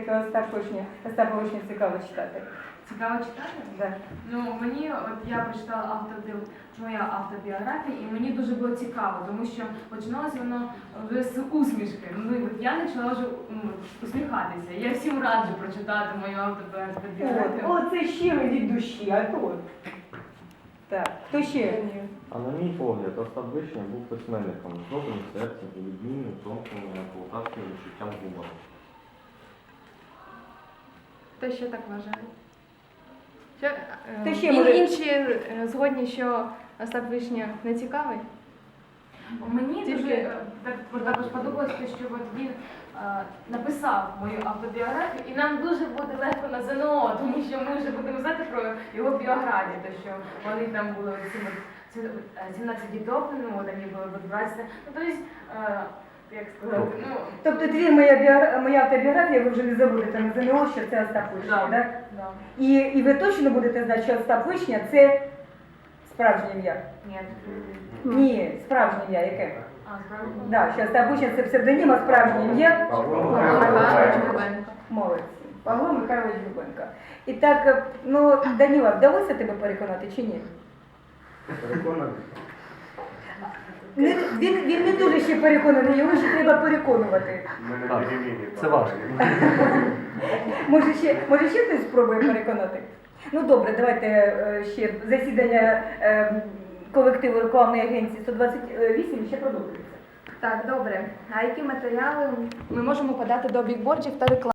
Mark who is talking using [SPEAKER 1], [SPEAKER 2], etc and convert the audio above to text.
[SPEAKER 1] таке Остапа Вишню цікаво читати?
[SPEAKER 2] Цікаво читати?
[SPEAKER 1] Да.
[SPEAKER 2] Ну, мені, от я прочитала моя автобіографія, і мені дуже було цікаво, тому що починалося воно вже з усмішки. Ну, і от я почала вже усміхатися. Я всім раджу прочитати мою автобіографію.
[SPEAKER 1] О, це щиро від душі, а то. Так, хто ще?
[SPEAKER 3] А на мій погляд, Остап Вишня був письменником з добрим серцем і відмінним тонким полтавським відчуттям гумору.
[SPEAKER 4] Хто ще так вважає? Що,
[SPEAKER 1] Хто ще може-
[SPEAKER 4] інші згодні, що Остап Вишня не цікавий?
[SPEAKER 2] Мені
[SPEAKER 4] Тільки-
[SPEAKER 2] дуже також подобалося, що от він написав мою автобіографію, і нам дуже буде легко на ЗНО, тому що ми вже будемо знати про його біографію, то що вони там були 17 діток, ну, вони були в 20, ну, тобто, як сказати, ну...
[SPEAKER 1] Тобто моя автобіографія, ви вже не забудете на ЗНО, що це Остап Вишня,
[SPEAKER 2] Да,
[SPEAKER 1] так?
[SPEAKER 2] да.
[SPEAKER 1] І ви точно будете знати, що Остап Вишня – це справжнє ім'я?
[SPEAKER 2] Ні.
[SPEAKER 1] Ні, справжнє ім'я яке?
[SPEAKER 2] Справді?
[SPEAKER 1] Да, що Остап Вишня – це псевдонім, а справжнє ім'я?
[SPEAKER 4] Михайлович Губенко.
[SPEAKER 1] Молодці. Павло Михайлович Губенко. І так, ну, Даніла, вдалося тебе переконати чи ні?
[SPEAKER 5] Переконаний.
[SPEAKER 1] Він не дуже ще переконаний, його ще треба переконувати.
[SPEAKER 5] Мене
[SPEAKER 3] Так,
[SPEAKER 5] перемінні.
[SPEAKER 3] це важко.
[SPEAKER 1] Може ще хтось спробує переконати? Ну добре, давайте ще засідання колективу рекламної агенції 128 ще продовжується.
[SPEAKER 4] Так, добре. А які матеріали ми можемо подати до бікбордів та реклам?